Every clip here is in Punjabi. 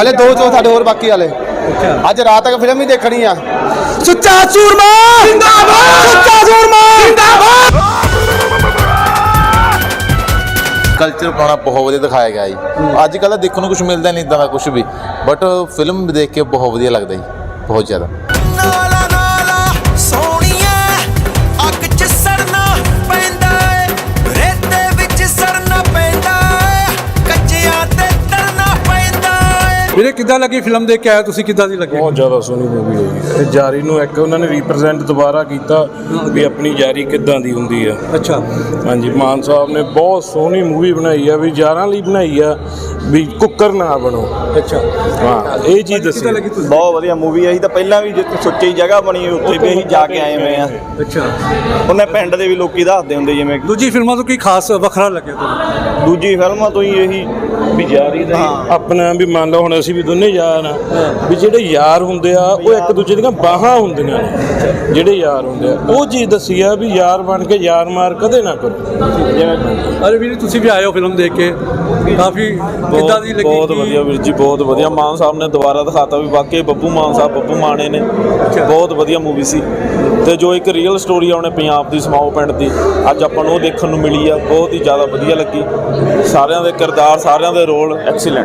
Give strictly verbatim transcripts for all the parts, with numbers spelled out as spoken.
ਹਲੇ ਦੋ ਚੋ ਸਾਡੇ ਹੋਰ ਬਾਕੀ ਵਾਲੇ। ਅੱਜ ਰਾਤ ਤੱਕ ਫਿਲਮ ਹੀ ਦੇਖਣੀ ਆ। ਸੁੱਚਾ ਸੂਰਮਾ ਜਿੰਦਾਬਾਦ, ਸੁੱਚਾ ਸੂਰਮਾ ਜਿੰਦਾਬਾਦ। ਕਲਚਰ ਪਾਉਣਾ ਬਹੁਤ ਵਧੀਆ ਦਿਖਾਇਆ ਗਿਆ ਜੀ। ਅੱਜ ਕੱਲ੍ਹ ਦੇਖਣ ਨੂੰ ਕੁਝ ਮਿਲਦਾ ਨਹੀਂ ਇੱਦਾਂ ਦਾ ਕੁਝ ਵੀ, ਬਟ ਫਿਲਮ ਦੇਖ ਕੇ ਬਹੁਤ ਵਧੀਆ ਲੱਗਦਾ ਜੀ, ਬਹੁਤ ਜ਼ਿਆਦਾ। ਵੀਰੇ ਕਿੱਦਾਂ ਲੱਗੀ ਫਿਲਮ ਦੇਖ ਕੇ ਆਇਆ ਤੁਸੀਂ, ਕਿੱਦਾਂ ਦੀ ਲੱਗੀ? ਬਹੁਤ ਜ਼ਿਆਦਾ ਸੋਹਣੀ ਮੂਵੀ ਹੋਈ ਤੇ ਯਾਰੀ ਨੂੰ ਇੱਕ ਉਹਨਾਂ ਨੇ ਰਿਪਰੈਜ਼ੈਂਟ ਦੁਬਾਰਾ ਕੀਤਾ ਵੀ ਆਪਣੀ ਯਾਰੀ ਕਿੱਦਾਂ ਦੀ ਹੁੰਦੀ ਆ। ਅੱਛਾ ਹਾਂਜੀ, ਮਾਨ ਸਾਹਿਬ ਨੇ ਬਹੁਤ ਸੋਹਣੀ ਮੂਵੀ ਬਣਾਈ ਆ ਵੀ ਯਾਰਾਂ ਲਈ ਬਣਾਈ ਆ ਵੀ ਕੁੱਕਰ ਨਾ ਬਣੋ। ਅੱਛਾ ਹਾਂ, ਇਹ ਚੀਜ਼ ਦੱਸੀ। ਕਿੱਦਾਂ ਲੱਗੀ ਤੁਸੀਂ? ਬਹੁਤ ਵਧੀਆ ਮੂਵੀ ਆ। ਅਸੀਂ ਤਾਂ ਪਹਿਲਾਂ ਵੀ ਜਿੱਥੇ ਸੁੱਚੀ ਜਗ੍ਹਾ ਬਣੀ ਉੱਥੇ ਵੀ ਅਸੀਂ ਜਾ ਕੇ ਆਏ ਹੋਏ ਆ। ਅੱਛਾ, ਉਹਨੇ ਪਿੰਡ ਦੇ ਵੀ ਲੋਕੀ ਦੱਸਦੇ ਹੁੰਦੇ ਜਿਵੇਂ ਦੂਜੀ ਫਿਲਮਾਂ ਤੋਂ ਕੀ ਖਾਸ ਵੱਖਰਾ ਲੱਗਿਆ ਤੁਹਾਨੂੰ? ਦੂਜੀ ਫਿਲਮਾਂ ਤੋਂ ਹੀ ਇਹੀ ਵੀ ਯਾਰੀ ਦਾ ਆਪਣਾ ਵੀ ਮੰਨ ਲਓ ਹੁਣ ਅਸੀਂ ਵੀ ਦੋਨੇ ਯਾਰ ਆ ਵੀ ਜਿਹੜੇ ਯਾਰ ਹੁੰਦੇ ਆ ਉਹ ਇੱਕ ਦੂਜੇ ਦੀਆਂ ਬਾਹਾਂ ਹੁੰਦੀਆਂ ਨੇ। ਜਿਹੜੇ ਯਾਰ ਹੁੰਦੇ ਆ ਉਹ ਚੀਜ਼ ਦੱਸੀ ਆ ਵੀ ਯਾਰ ਬਣ ਕੇ ਯਾਰ ਮਾਰ ਕਦੇ ਨਾ ਕਰੋ। ਜਿਵੇਂ ਅਰੇ ਵੀਰ ਤੁਸੀਂ ਵੀ ਆਏ ਹੋ ਫਿਲਮ ਦੇਖ ਕੇ, ਕਾਫੀ ਕਿੱਦਾਂ ਦੀ ਲੱਗੀ? ਬਹੁਤ ਵਧੀਆ ਵੀਰ ਜੀ, ਬਹੁਤ ਵਧੀਆ। ਮਾਨ ਸਾਹਿਬ ਨੇ ਦੁਬਾਰਾ ਦਿਖਾਤਾ ਵੀ ਵਾਕਈ ਬੱਬੂ ਮਾਨ ਸਾਹਿਬ ਬੱਬੂ ਮਾਣੇ ਨੇ। ਬਹੁਤ ਵਧੀਆ ਮੂਵੀ ਸੀ ਤੇ ਜੋ ਇੱਕ ਰੀਅਲ ਸਟੋਰੀ ਆ ਉਹਨੇ ਪੰਜਾਬ ਦੀ ਸਮਾਓ ਪਿੰਡ ਦੀ ਅੱਜ ਆਪਾਂ ਨੂੰ ਉਹ ਦੇਖਣ ਨੂੰ ਮਿਲੀ ਆ। ਬਹੁਤ ਹੀ ਜ਼ਿਆਦਾ ਵਧੀਆ ਲੱਗੀ। ਸਾਰਿਆਂ ਦੇ ਕਿਰਦਾਰ, ਸਾਰਿਆਂ ਦੇ ਰੋਲ ਐਕਸੀਲੈਂਟ।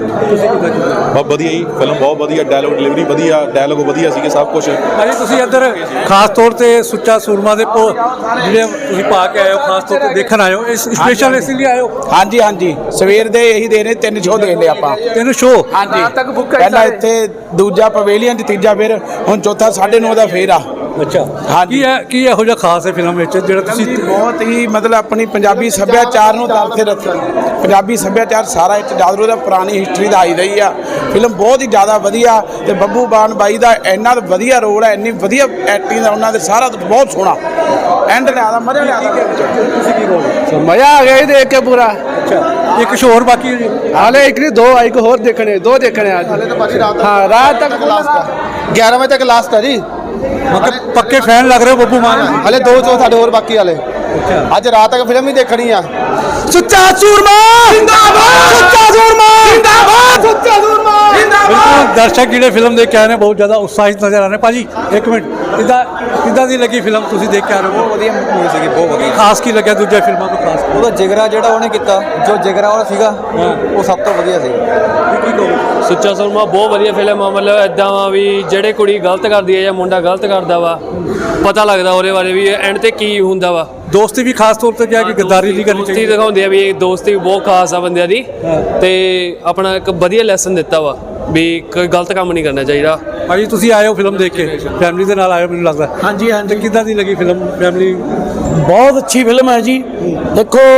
ਬਹੁਤ ਵਧੀਆ ਜੀ ਫਿਲਮ, ਬਹੁਤ ਵਧੀਆ। ਡਾਇਲੋਗ ਡਿਲੀਵਰੀ ਵਧੀਆ, ਡਾਇਲੋਗ ਵਧੀਆ ਸੀਗੇ, ਸਭ ਕੁਝ। ਅਰੇ ਤੁਸੀਂ ਇੱਧਰ ਖਾਸ ਤੌਰ ਤੇ ਸੁੱਚਾ ਸੂਰਮਾ ਦੇ ਪੋ ਜਿਹੜੇ ਤੁਸੀਂ ਪਾ ਕੇ ਆਏ ਹੋ, ਖਾਸ ਤੌਰ ਤੇ ਦੇਖਣ ਆਏ ਹੋ, ਇਸ ਸਪੈਸ਼ਲ ਇਸ ਲਈ ਆਏ ਹੋ? ਹਾਂਜੀ ਹਾਂਜੀ, ਸਵੇਰ ਦੇ ਇਹੀ ਦੇ ਨੇ, ਤਿੰਨ ਸ਼ੋਅ ਦੇ ਲਏ ਆਪਾਂ। ਤਿੰਨ ਸ਼ੋਅ? ਹਾਂਜੀ, ਪਹਿਲਾਂ ਇੱਥੇ, ਦੂਜਾ ਪਵੇਲੀਅਨ, ਤੀਜਾ ਫਿਰ ਹੁਣ ਚੌਥਾ ਸਾਢੇ ਨੌ ਦਾ ਫੇਰ ਆ। ਅੱਛਾ, ਕੀ ਹੈ ਕੀ ਇਹੋ ਜਿਹਾ ਖਾਸ ਹੈ ਫਿਲਮ ਵਿੱਚ ਜਿਹੜਾ ਤੁਸੀਂ? ਬਹੁਤ ਹੀ ਮਤਲਬ ਆਪਣੀ ਪੰਜਾਬੀ ਸੱਭਿਆਚਾਰ ਨੂੰ ਦਰਸੇ ਰੱਖਿਆ। ਪੰਜਾਬੀ ਸੱਭਿਆਚਾਰ ਸਾਰਾ ਇੱਥੇ ਜਾਦਰੂ ਦਾ ਪੁਰਾਣੀ ਹਿਸਟਰੀ ਦਾ ਆਈ ਰਹੀ ਆ। ਫਿਲਮ ਬਹੁਤ ਹੀ ਜ਼ਿਆਦਾ ਵਧੀਆ ਤੇ ਬੱਬੂ ਮਾਨ ਬਾਈ ਦਾ ਇੰਨਾ ਵਧੀਆ ਰੋਲ ਹੈ, ਇੰਨੀ ਵਧੀਆ ਐਕਟਿੰਗ ਦਾ ਉਹਨਾਂ ਦੇ, ਸਾਰਾ ਬਹੁਤ ਸੋਹਣਾ ਐਂਡ ਲਿਆਦਾ, ਮਜ਼ਾ ਲਿਆਦਾ। ਤੁਸੀਂ ਕੀ ਰੋਲ? ਮਜ਼ਾ ਆ ਗਿਆ ਹੀ ਦੇਖ ਕੇ ਪੂਰਾ। ਅੱਛਾ, ਇੱਕ ਸ਼ੋਅ ਹੋਰ ਬਾਕੀ ਹੈ ਜੀ? ਹਾਲੇ ਇੱਕ ਨਹੀਂ, ਦੋ ਇੱਕ ਹੋਰ ਦੇਖਣੇ, ਦੋ ਦੇਖਣੇ ਅੱਜ। ਹਾਲੇ ਤਾਂ ਬਾਕੀ ਰਾਤ, ਹਾਂ ਰਾਤ ਤੱਕ ਲਾਸਟ ਗਿਆਰਾਂ ਵਜੇ ਤੱਕ ਲਾਸਟ ਹੈ ਜੀ। ਮਤਲਬ ਪੱਕੇ ਫੈਨ ਲੱਗ ਰਹੇ ਹੋ ਬੱਬੂ ਮਾਨ? ਹਲੇ ਦੋ ਚੋ ਸਾਡੇ ਹੋਰ ਬਾਕੀ ਵਾਲੇ। ਅੱਜ ਰਾਤ ਤੱਕ ਫਿਲਮ ਹੀ ਦੇਖਣੀ ਆ। ਸੁੱਚਾ ਸੂਰਮਾ ਜਿੰਦਾਬਾਦ, ਸੁੱਚਾ ਸੂਰਮਾ ਜਿੰਦਾਬਾਦ, ਸੁੱਚਾ ਸੂਰਮਾ ਜਿੰਦਾਬਾਦ। ਬਿਲਕੁਲ, ਦਰਸ਼ਕ ਜਿਹੜੇ ਫਿਲਮ ਦੇਖ ਕੇ ਆਏ ਨੇ ਬਹੁਤ ਜ਼ਿਆਦਾ ਉਤਸ਼ਾਹਿਤ ਨਜ਼ਰ ਆ ਰਹੇ। ਭਾਜੀ ਇੱਕ ਮਿੰਟ, ਕਿੱਦਾਂ ਕਿੱਦਾਂ ਦੀ ਲੱਗੀ ਫਿਲਮ ਤੁਸੀਂ ਦੇਖ ਕੇ ਆ ਰਹੇ ਹੋ? ਬਹੁਤ ਵਧੀਆ ਮੂਵੀ ਸੀਗੀ, ਬਹੁਤ ਵਧੀਆ। ਖਾਸ ਕੀ ਲੱਗਿਆ ਦੂਜੇ ਫਿਲਮਾਂ ਤੋਂ? ਖਾਸ ਉਹਦਾ ਜਿਗਰਾ ਜਿਹੜਾ ਉਹਨੇ ਕੀਤਾ, ਜੋ ਜਿਗਰਾ ਉਹ ਸੀਗਾ ਉਹ ਸਭ ਤੋਂ ਵਧੀਆ ਸੀ। ਕੀ ਕਹੋਗੇ? ਸੁੱਚਾ ਸੂਰਮਾ ਬਹੁਤ ਵਧੀਆ ਫਿਲਮ ਆ। ਮਤਲਬ ਇੱਦਾਂ ਵਾ ਵੀ ਜਿਹੜੇ ਕੁੜੀ ਗਲਤ ਕਰਦੀ ਹੈ ਜਾਂ ਮੁੰਡਾ ਗਲਤ ਕਰਦਾ ਵਾ, ਪਤਾ ਲੱਗਦਾ ਉਹਦੇ ਬਾਰੇ ਵੀ ਐਂਡ ਤੇ ਕੀ ਹੁੰਦਾ ਵਾ। ਦੋਸਤੀ ਵੀ ਖਾਸ ਤੌਰ ਤੇ ਕਿਹਾ ਕਿ ਗੱਦਾਰੀ ਨਹੀਂ ਕਰਨੀ ਦੋਸਤੀ ਚਾਹੀਦੀ। ਦਿਖਾਉਂਦੇ ਆ ਵੀ ਇਹ ਦੋਸਤੀ ਬਹੁਤ ਖਾਸ ਆ ਬੰਦਿਆਂ ਦੀ, ਤੇ ਆਪਣਾ ਇੱਕ ਵਧੀਆ ਲੈਸਨ ਦਿੱਤਾ ਵਾ ਵੀ ਕੋਈ ਗਲਤ ਕੰਮ ਨਹੀਂ ਕਰਨਾ ਚਾਹੀਦਾ। ਭਾਜੀ ਤੁਸੀਂ ਆਏ ਹੋ ਫਿਲਮ ਦੇਖ ਕੇ, ਫੈਮਿਲੀ ਦੇ ਨਾਲ ਆਏ ਹੋ ਮੈਨੂੰ ਲੱਗਦਾ? ਹਾਂਜੀ ਹਾਂਜੀ। ਤੇ ਕਿੱਦਾਂ ਦੀ ਲੱਗੀ ਫਿਲਮ? ਫੈਮਿਲੀ ਬਹੁਤ ਅੱਛੀ ਫਿਲਮ ਹੈ ਜੀ। ਦੇਖੋ,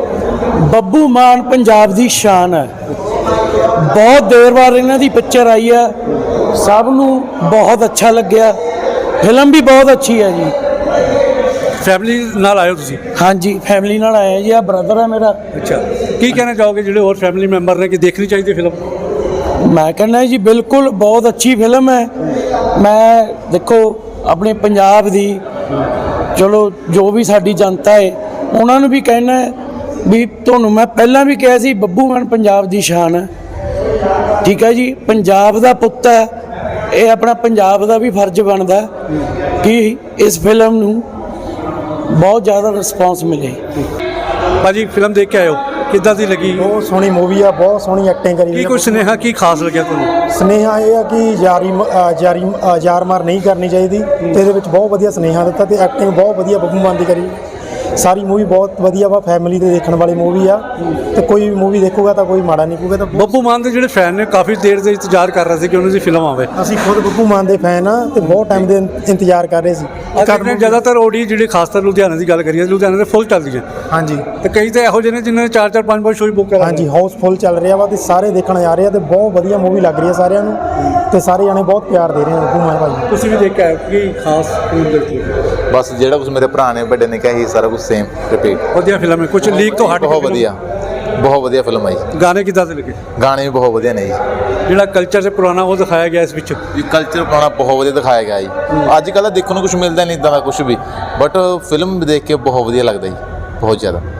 ਬੱਬੂ ਮਾਨ ਪੰਜਾਬ ਦੀ ਸ਼ਾਨ ਹੈ। ਬਹੁਤ ਦੇਰ ਬਾਅਦ ਇਹਨਾਂ ਦੀ ਪਿਕਚਰ ਆਈ ਹੈ, ਸਭ ਨੂੰ ਬਹੁਤ ਅੱਛਾ ਲੱਗਿਆ। ਫਿਲਮ ਵੀ ਬਹੁਤ ਅੱਛੀ ਹੈ ਜੀ। ਫੈਮਿਲੀ ਨਾਲ ਆਏ ਹੋ ਤੁਸੀਂ? ਹਾਂਜੀ, ਫੈਮਿਲੀ ਨਾਲ ਆਇਆ ਜੀ। ਆ ਬ੍ਰਦਰ ਹੈ ਮੇਰਾ। ਅੱਛਾ, ਕੀ ਕਹਿਣਾ ਚਾਹੋਗੇ ਜਿਹੜੇ ਹੋਰ ਫੈਮਿਲੀ ਮੈਂਬਰ ਨੇ ਕਿ ਦੇਖਣੀ ਚਾਹੀਦੀ ਫਿਲਮ? ਮੈਂ ਕਹਿੰਦਾ ਜੀ ਬਿਲਕੁਲ ਬਹੁਤ ਅੱਛੀ ਫਿਲਮ ਹੈ। ਮੈਂ ਦੇਖੋ ਆਪਣੇ ਪੰਜਾਬ ਦੀ, ਚਲੋ ਜੋ ਵੀ ਸਾਡੀ ਜਨਤਾ ਹੈ ਉਹਨਾਂ ਨੂੰ ਵੀ ਕਹਿਣਾ ਵੀ, ਤੁਹਾਨੂੰ ਮੈਂ ਪਹਿਲਾਂ ਵੀ ਕਿਹਾ ਸੀ ਬੱਬੂ ਮਾਨ ਪੰਜਾਬ ਦੀ ਸ਼ਾਨ ਹੈ। ਠੀਕ ਹੈ ਜੀ, ਪੰਜਾਬ ਦਾ ਪੁੱਤ ਹੈ ਇਹ, ਆਪਣਾ ਪੰਜਾਬ ਦਾ ਵੀ ਫਰਜ਼ ਬਣਦਾ ਕਿ ਇਸ ਫਿਲਮ ਨੂੰ ਬਹੁਤ ਜ਼ਿਆਦਾ ਰਿਸਪੌਂਸ ਮਿਲੇ। ਭਾਜੀ ਫਿਲਮ ਦੇਖ ਕੇ ਆਏ ਹੋ, ਕਿੱਦਾਂ ਦੀ ਲੱਗੀ? ਬਹੁਤ ਸੋਹਣੀ ਮੂਵੀ ਆ, ਬਹੁਤ ਸੋਹਣੀ ਐਕਟਿੰਗ ਕਰੀ। ਕੀ ਕੋਈ ਸੁਨੇਹਾ ਕੀ ਖਾਸ ਲੱਗਿਆ ਤੁਹਾਨੂੰ? ਸੁਨੇਹਾ ਇਹ ਆ ਕਿ ਯਾਰੀ ਯਾਰੀ ਯਾਰ ਮਾਰ ਨਹੀਂ ਕਰਨੀ ਚਾਹੀਦੀ ਤੇ ਇਹਦੇ ਵਿੱਚ ਬਹੁਤ ਵਧੀਆ ਸੁਨੇਹਾ ਦਿੱਤਾ ਤੇ ਐਕਟਿੰਗ ਬਹੁਤ ਵਧੀਆ ਬੱਬੂ ਮਾਨ ਦੀ ਕਰੀ। ਸਾਰੀ ਮੂਵੀ ਬਹੁਤ ਵਧੀਆ ਵਾ, ਫੈਮਿਲੀ ਦੇ ਦੇਖਣ ਵਾਲੀ ਮੂਵੀ ਆ ਤੇ ਕੋਈ ਵੀ ਮੂਵੀ ਦੇਖੂਗਾ ਤਾਂ ਕੋਈ ਮਾੜਾ ਨਹੀਂ ਕਹੂਗਾ। ਤਾਂ ਬੱਬੂ ਮਾਨ ਦੇ ਜਿਹੜੇ ਫੈਨ ਨੇ ਕਾਫੀ ਦੇਰ ਦੇ ਇੰਤਜ਼ਾਰ ਕਰ ਰਹੇ ਸੀ ਕਿ ਉਹਨਾਂ ਦੀ ਫਿਲਮ ਆਵੇ। ਅਸੀਂ ਖੁਦ ਬੱਬੂ ਮਾਨ ਦੇ ਫੈਨ ਆ ਤੇ ਬਹੁਤ ਟਾਈਮ ਦੇ ਇੰਤਜ਼ਾਰ ਕਰ ਰਹੇ ਸੀ। ਜ਼ਿਆਦਾਤਰ ਓਡੀ ਜਿਹੜੇ ਖਾਸ ਕਰ ਲੁਧਿਆਣੇ ਦੀ ਗੱਲ ਕਰੀਏ, ਲੁਧਿਆਣੇ ਦੇ ਫੁੱਲ ਚੱਲਦੀ ਹੈ। ਹਾਂਜੀ, ਤੇ ਕਈ ਤਾਂ ਇਹੋ ਜਿਹੇ ਨੇ ਜਿਨ੍ਹਾਂ ਨੇ ਚਾਰ ਚਾਰ ਪੰਜ ਪੰਜ ਸ਼ੋਅ ਬੁੱਕ ਕਰਾ। ਹਾਂਜੀ, ਹਾਊਸਫੁੱਲ ਚੱਲ ਰਿਹਾ ਵਾ ਤੇ ਸਾਰੇ ਦੇਖਣ ਜਾ ਰਹੇ ਆ ਤੇ ਬਹੁਤ ਵਧੀਆ ਮੂਵੀ ਲੱਗ ਰਹੀ ਹੈ ਸਾਰਿਆਂ ਨੂੰ ਤੇ ਸਾਰੇ ਜਾਣੇ ਬਹੁਤ ਪਿਆਰ ਦੇ ਰਹੇ ਆ ਬੱਬੂ ਮਾਨ ਭਾਈ। ਤੁਸੀਂ ਵੀ ਦੇਖ ਕੇ ਆਏ ਕੀ ਖਾਸ ਫਿਲਮ ਦੇਖੀ? ਬਸ ਜਿਹੜਾ ਕੁਝ ਮੇਰੇ ਭਰਾ ਨੇ ਵੱਡੇ ਨੇ ਕਿਹਾ ਸੀ ਸਾਰਾ ਕੁਝ ਸੇਮ ਰਿਪੀਟ। ਵਧੀਆ ਫਿਲਮ ਹੈ, ਕੁਝ ਲੀਕ ਤੋਂ ਹਟ ਕੇ। ਬਹੁਤ ਵਧੀਆ, ਬਹੁਤ ਵਧੀਆ ਫਿਲਮ ਹੈ ਜੀ। ਗਾਣੇ ਕਿੱਦਾਂ ਦੇ ਲੱਗੇ? ਗਾਣੇ ਵੀ ਬਹੁਤ ਵਧੀਆ ਨੇ ਜੀ। ਜਿਹੜਾ ਕਲਚਰ ਸੇ ਪੁਰਾਣਾ ਉਹ ਦਿਖਾਇਆ ਗਿਆ ਇਸ ਵਿੱਚ? ਜੀ ਕਲਚਰ ਪਾਉਣਾ ਬਹੁਤ ਵਧੀਆ ਦਿਖਾਇਆ ਗਿਆ ਜੀ। ਅੱਜ ਕੱਲ੍ਹ ਦੇਖਣ ਨੂੰ ਕੁਝ ਮਿਲਦਾ ਨਹੀਂ ਇੱਦਾਂ ਦਾ ਕੁਝ ਵੀ, ਬਟ ਫਿਲਮ ਦੇਖ ਕੇ ਬਹੁਤ ਵਧੀਆ ਲੱਗਦਾ ਜੀ, ਬਹੁਤ ਜ਼ਿਆਦਾ।